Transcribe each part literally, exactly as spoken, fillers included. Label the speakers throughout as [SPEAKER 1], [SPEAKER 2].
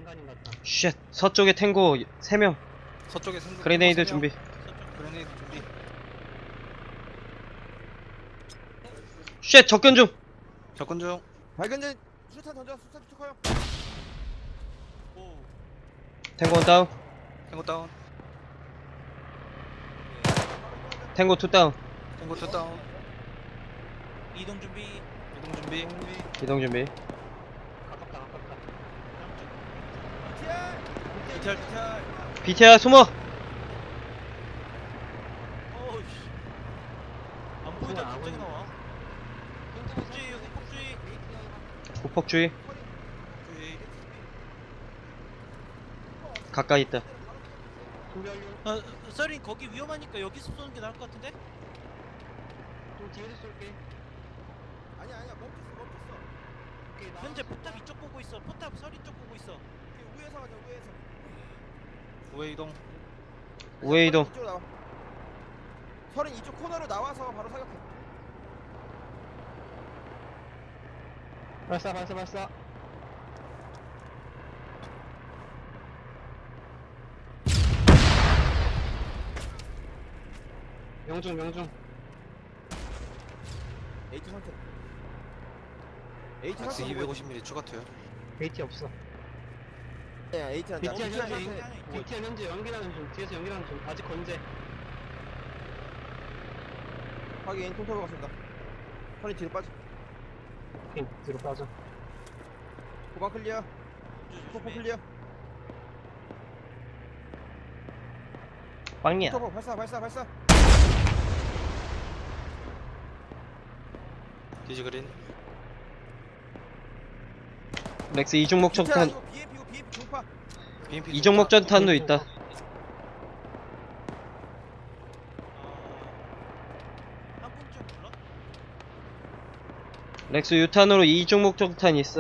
[SPEAKER 1] 인간인 같다.
[SPEAKER 2] 쉣. 서쪽에 탱고 세 명.
[SPEAKER 3] 서쪽에 생각.
[SPEAKER 2] 그레네이드 준비.
[SPEAKER 3] 서쪽 그레네이드 준비.
[SPEAKER 2] 쉣. 접근 중.
[SPEAKER 3] 접근 중.
[SPEAKER 4] 발견된 수류탄 던져. 수류탄 투척하여.
[SPEAKER 3] 오.
[SPEAKER 2] 탱고 다운.
[SPEAKER 3] 탱고 다운.
[SPEAKER 2] 탱고 투 다운.
[SPEAKER 3] 탱고 투 다운. 이동 준비. 이동 준비.
[SPEAKER 2] 이동 준비.
[SPEAKER 1] 가깝다 가깝다.
[SPEAKER 3] 비티알 비티알.
[SPEAKER 2] 비티야 숨어.
[SPEAKER 3] 어우씨. 안 보이다
[SPEAKER 1] 뭐야,
[SPEAKER 3] 갑자기
[SPEAKER 1] 아군.
[SPEAKER 3] 나와. 흑폭주의 흑폭주의.
[SPEAKER 2] 후폭주의.
[SPEAKER 3] 흑폭주의.
[SPEAKER 2] 가까이 있다.
[SPEAKER 1] 준비 완료.
[SPEAKER 3] 어, 썰인 거기 위험하니까 여기서 쏘는 게 나을 것 같은데?
[SPEAKER 1] 좀 뒤에서 쏠게.
[SPEAKER 4] 아니야 아니야 멈췄어 멈췄어.
[SPEAKER 1] 오케이, 나
[SPEAKER 3] 현재 포탑 이쪽 보고 있어. 포탑 썰인 쪽 보고 있어.
[SPEAKER 4] 오케이, 우에서 가자 우에서.
[SPEAKER 3] 우회 이동.
[SPEAKER 2] 우회 이동.
[SPEAKER 4] 이쪽으로 나와. 서린 이쪽 코너로 나와서 바로 사격해.
[SPEAKER 1] 발사 발사 발사. 명중 명중.
[SPEAKER 4] H 선택. H
[SPEAKER 3] 박스
[SPEAKER 4] 선택.
[SPEAKER 3] 이백오십 밀리미터 추가 투여.
[SPEAKER 1] 베이티 없어.
[SPEAKER 4] 야 H 한다.
[SPEAKER 1] 비티알
[SPEAKER 4] H 한다.
[SPEAKER 1] 현재 비티알 현재 연기라는 중. 뒤에서 연기라는 중. 아직 건재.
[SPEAKER 4] 확인 통타고 갔습니다. 서린 뒤로 빠져.
[SPEAKER 1] 오케이 뒤로 빠져.
[SPEAKER 4] 고방 클리어. 포포 클리어.
[SPEAKER 2] 빵이야.
[SPEAKER 4] 포포 발사 발사 발사.
[SPEAKER 3] 디지 그린.
[SPEAKER 2] 렉스 이중 목적탄.
[SPEAKER 4] 비엠피고 비엠피 중파.
[SPEAKER 3] 비엠피
[SPEAKER 2] 이중 목적탄도 있다.
[SPEAKER 3] 한 분쯤 불러?
[SPEAKER 2] 렉스 유탄으로 이중 목적탄 있어.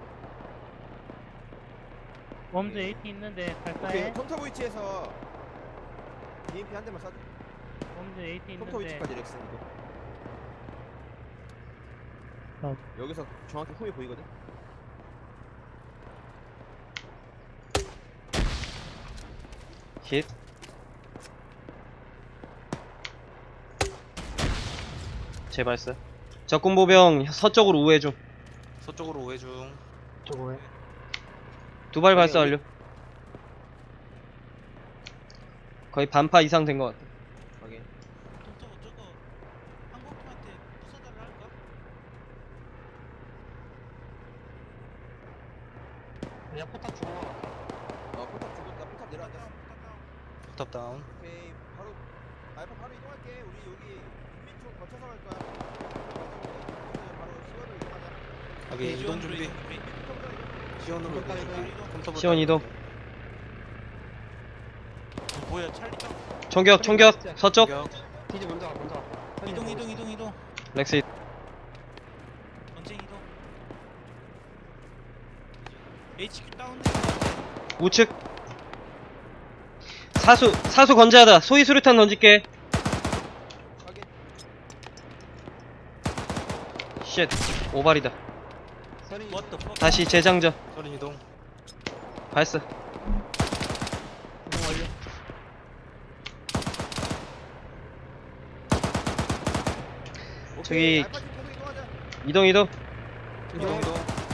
[SPEAKER 5] 웜즈 에이티 있는데
[SPEAKER 4] 오케이
[SPEAKER 5] 갈까해?
[SPEAKER 4] 컴퓨터 위치에서 비엠피 한 대만 쏴줘.
[SPEAKER 5] 웜즈 에이티
[SPEAKER 4] 컴퓨터
[SPEAKER 5] 있는데
[SPEAKER 4] 위치까지 렉스.
[SPEAKER 5] 어.
[SPEAKER 4] 여기서 정확히 홈이 보이거든.
[SPEAKER 2] 힛. 재발사. 적군 보병 서쪽으로 우회 중.
[SPEAKER 3] 서쪽으로 우회 중.
[SPEAKER 1] 저거에.
[SPEAKER 2] 두 발 발사 완료. 거의 반파 이상 된 것 같아.
[SPEAKER 4] 확인.
[SPEAKER 3] 저거 저거 한국팀한테 부사달라 할까?
[SPEAKER 1] 그냥 포탑 죽어.
[SPEAKER 4] 어 포탑 죽었다. 포탑 내려앉았어.
[SPEAKER 3] 포탑 다운.
[SPEAKER 4] 오케이 바로 알파 바로 이동할게. 우리 여기 국민 쪽 거쳐서 갈 거야. 바로 시원으로 이동하자.
[SPEAKER 3] 여기 이동 준비. 시원으로 이동
[SPEAKER 1] 컴퓨터
[SPEAKER 3] 준비. 컴퓨터
[SPEAKER 2] 시원 이동.
[SPEAKER 3] 뭐야 찰리 점.
[SPEAKER 2] 총격 총격 서쪽.
[SPEAKER 3] 공격.
[SPEAKER 1] 디지 먼저 가 먼저 가.
[SPEAKER 3] 이동 이동 이동 이동.
[SPEAKER 2] 렉스
[SPEAKER 3] 전쟁 이동. 에이치큐 다운.
[SPEAKER 2] 우측. 사수 사수 건재하다. 소위 수류탄 던질게.
[SPEAKER 4] 확인.
[SPEAKER 2] 쉣. 오발이다.
[SPEAKER 1] 서리.
[SPEAKER 3] What the fuck?
[SPEAKER 2] 다시 재장전.
[SPEAKER 3] 서린 이동.
[SPEAKER 2] 발사.
[SPEAKER 1] 이동 완료.
[SPEAKER 2] 저기-
[SPEAKER 4] 알파 팀 계속 이동하자.
[SPEAKER 2] 이동 이동.
[SPEAKER 3] 이동 이동.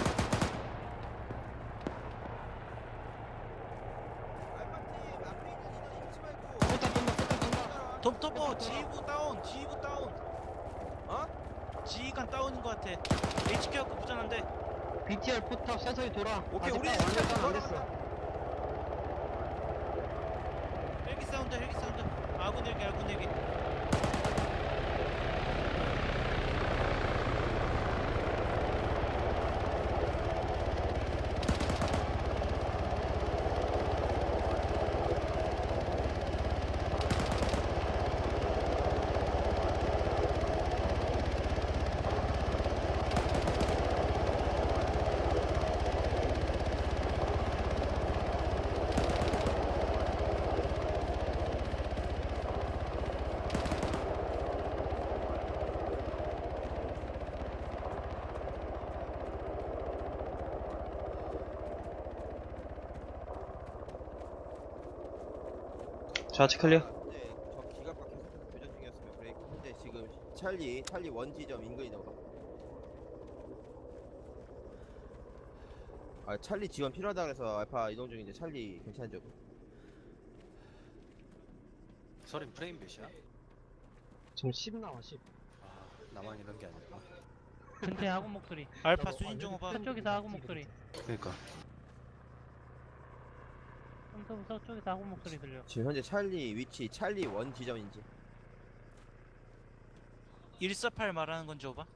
[SPEAKER 4] 알파 팀 앞에 있는 인원 잃지 말고.
[SPEAKER 1] 포탑 쏜다 포탑 쏜다.
[SPEAKER 3] 톱토퍼 지휘부 다운. 지휘부 다운.
[SPEAKER 4] 어?
[SPEAKER 3] 지휘관 다운인 것 같아. 에이치큐 갖고 무전한데.
[SPEAKER 1] 비티알 포탑 서서히 돌아.
[SPEAKER 4] 오케이
[SPEAKER 1] 아직
[SPEAKER 4] 우리
[SPEAKER 1] 딱 완전
[SPEAKER 4] 일단
[SPEAKER 1] 안 됐어.
[SPEAKER 3] 헬기 사운드 헬기 사운드. 아군 헬기 아군 헬기.
[SPEAKER 2] 좌측 클리어.
[SPEAKER 4] 현재 저 기갑과 계속해서 교전 중이었으면 브레이크. 현재 지금 찰리 찰리 원 지점 인근이다. 아 찰리 지원 필요하다 그래서 알파 이동 중인데 찰리 괜찮죠?
[SPEAKER 3] 서린 프레임 몇이야?
[SPEAKER 1] 지금 십 나와 십.
[SPEAKER 3] 아 나만 이런 게 아니구나.
[SPEAKER 5] 근처에 아군 목소리.
[SPEAKER 3] 알파 수신 중 오바.
[SPEAKER 5] 서쪽에서 아군 목소리.
[SPEAKER 3] 그니까
[SPEAKER 5] 홈터브 서쪽에서 아군 목소리 들려.
[SPEAKER 4] 지금 현재 찰리 위치 찰리 원 지점인지.
[SPEAKER 3] 일사팔 말하는 건지 오바?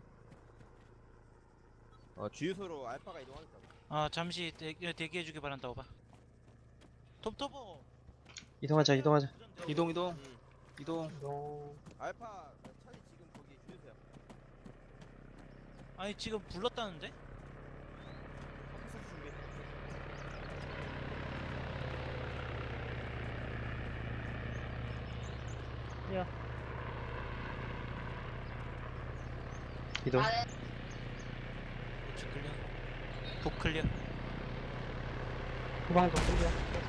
[SPEAKER 4] 어 주유소로 알파가 이동하겠다.
[SPEAKER 3] 아 잠시 대기, 대기해주길 바란다 오바. 톱토보
[SPEAKER 2] 이동하자 이동하자.
[SPEAKER 3] 이동 이동
[SPEAKER 4] 음.
[SPEAKER 3] 이동.
[SPEAKER 1] 너
[SPEAKER 4] 알파 찰리 지금 거기 주유소야.
[SPEAKER 3] 아니 지금 불렀다는데?
[SPEAKER 4] 패스 준비.
[SPEAKER 5] 야,
[SPEAKER 2] 이동.
[SPEAKER 3] 우측 클리어. 북 클리어.
[SPEAKER 1] 후방도 클리어.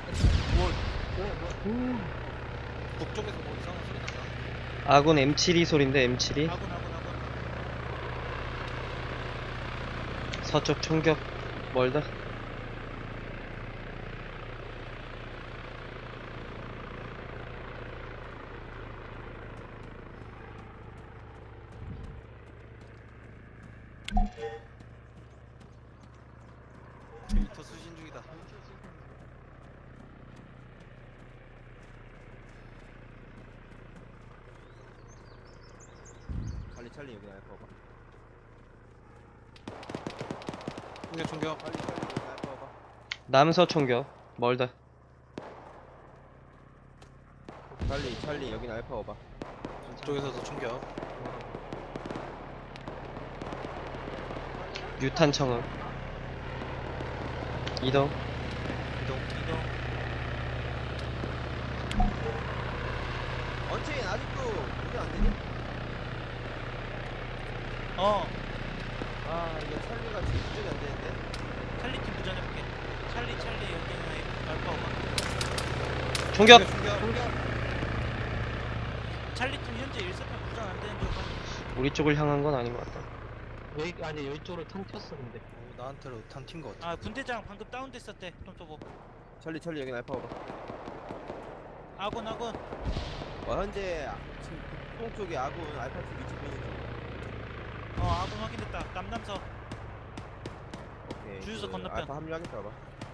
[SPEAKER 3] 북쪽에서 뭐 이상한 소리 난다.
[SPEAKER 2] 아군 엠칠이 소린데 엠칠이.
[SPEAKER 3] 아군 아군 아군.
[SPEAKER 2] 서쪽 총격 멀다.
[SPEAKER 3] 데이터 수신 중이다.
[SPEAKER 4] 찰리 찰리 여기 알파가.
[SPEAKER 3] 충격 충격.
[SPEAKER 4] 찰리 찰리 여기 알파가.
[SPEAKER 2] 남서 총격 멀다.
[SPEAKER 4] 찰리 찰리 여긴 알파 오바.
[SPEAKER 3] 쪽에서도 충격.
[SPEAKER 2] 유탄 청음. 이동.
[SPEAKER 3] 이동 이동.
[SPEAKER 4] 언체인 아직도 운전 안 되니?
[SPEAKER 3] 어
[SPEAKER 4] 아 이게 찰리가 지금 운전이 안 되는데.
[SPEAKER 3] 찰리 팀 부전해볼게. 찰리 찰리 여기는 알파 오바.
[SPEAKER 2] 총격.
[SPEAKER 3] 찰리 팀 현재 일사팔 부전 안 되는 줄 알아.
[SPEAKER 2] 우리 쪽을 향한 건 아닌 것 같다.
[SPEAKER 1] 여기 아니 여기 쪽으로 턴 켰어 근데.
[SPEAKER 3] 나한테로 탄튄거 같아. 아 분대장 방금 다운됐었대. 톰토보.
[SPEAKER 4] 찰리 찰리 여긴 알파 오바.
[SPEAKER 3] 아군 아군.
[SPEAKER 4] 어 현재 지금 북동 쪽에 아군 알파 팀 위치 보이는 중.
[SPEAKER 3] 어 아군 확인됐다. 남남서.
[SPEAKER 4] 오케이.
[SPEAKER 3] 주유소
[SPEAKER 4] 그
[SPEAKER 3] 건너편.
[SPEAKER 4] 알파 합류하겠다 봐.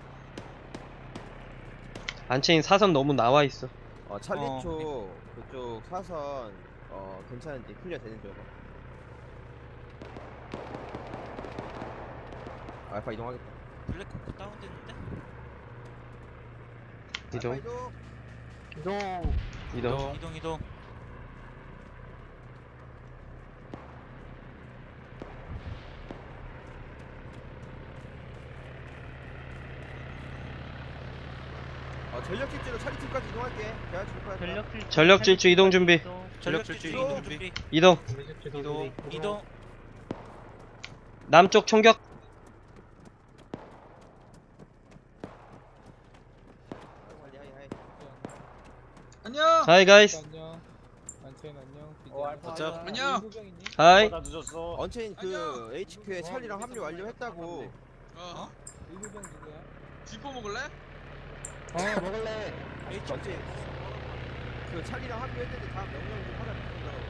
[SPEAKER 2] 안체인 사선 너무 나와 있어.
[SPEAKER 4] 어 찰리
[SPEAKER 3] 어.
[SPEAKER 4] 쪽 그쪽 사선 어 괜찮은지 클리어 되는 줄 알아. 알파 이동하겠다.
[SPEAKER 3] 블랙호크 다운됐는데?
[SPEAKER 2] 이동.
[SPEAKER 4] 알파 이동.
[SPEAKER 1] 이동.
[SPEAKER 2] 이동.
[SPEAKER 3] 이동 이동.
[SPEAKER 4] 어 전력 질주로 찰리 팀까지 이동할게. 제가 줄 거야.
[SPEAKER 5] 전력 질주.
[SPEAKER 2] 전력 질주 이동 준비.
[SPEAKER 3] 전력 질주
[SPEAKER 4] 이동
[SPEAKER 3] 이동 준비.
[SPEAKER 2] 이동.
[SPEAKER 3] 이동 이동.
[SPEAKER 2] 남쪽 총격.
[SPEAKER 4] 하이 하이 하이.
[SPEAKER 6] 안녕.
[SPEAKER 2] 하이 가이스.
[SPEAKER 6] 안녕. 안채인 안녕.
[SPEAKER 4] 어, 알파
[SPEAKER 3] 어쩌-
[SPEAKER 4] 하이.
[SPEAKER 6] 안녕. 의무병 있니?
[SPEAKER 2] 하이.
[SPEAKER 4] 언체인 그
[SPEAKER 6] 안녕.
[SPEAKER 4] 에이치큐에 찰리랑 합류 완료했다고.
[SPEAKER 6] 어? 의무병 누구야? 쥐포 먹을래?
[SPEAKER 1] 어 먹을래.
[SPEAKER 3] H
[SPEAKER 4] 언체인 그 찰리랑 합류했는데 다음 명령 좀 하나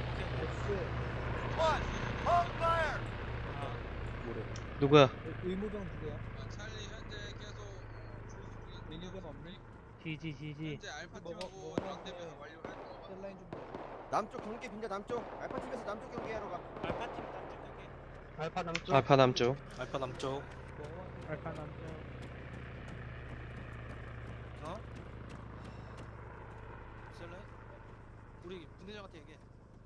[SPEAKER 4] 붙는다고. 뭐래?
[SPEAKER 2] 누구야?
[SPEAKER 6] 의무병 누구야? 아, 찰리 현재 계속 어, 의무병 없니?
[SPEAKER 5] 지지 지지.
[SPEAKER 6] 현재 알파 팀하고 런데면 완료할 거. 셀라인 좀 봐.
[SPEAKER 4] 남쪽 경계 빈자 남쪽. 알파 팀에서 남쪽 경계하러 가.
[SPEAKER 3] 알파 팀 남쪽 경계.
[SPEAKER 1] 알파 남쪽.
[SPEAKER 2] 알파 남쪽.
[SPEAKER 3] 알파 남쪽.
[SPEAKER 5] 알파 남쪽.
[SPEAKER 3] 어? 셀라? 우리 분대장한테 얘기해.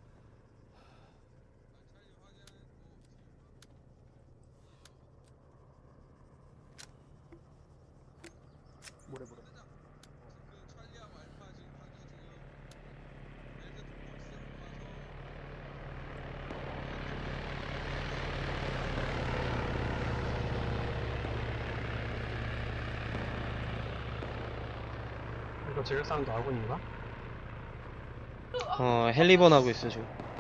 [SPEAKER 4] 뭐래 뭐래.
[SPEAKER 1] 이거 제일 사운드 아군인가?
[SPEAKER 2] 어 헬리번 하고 있어 지금.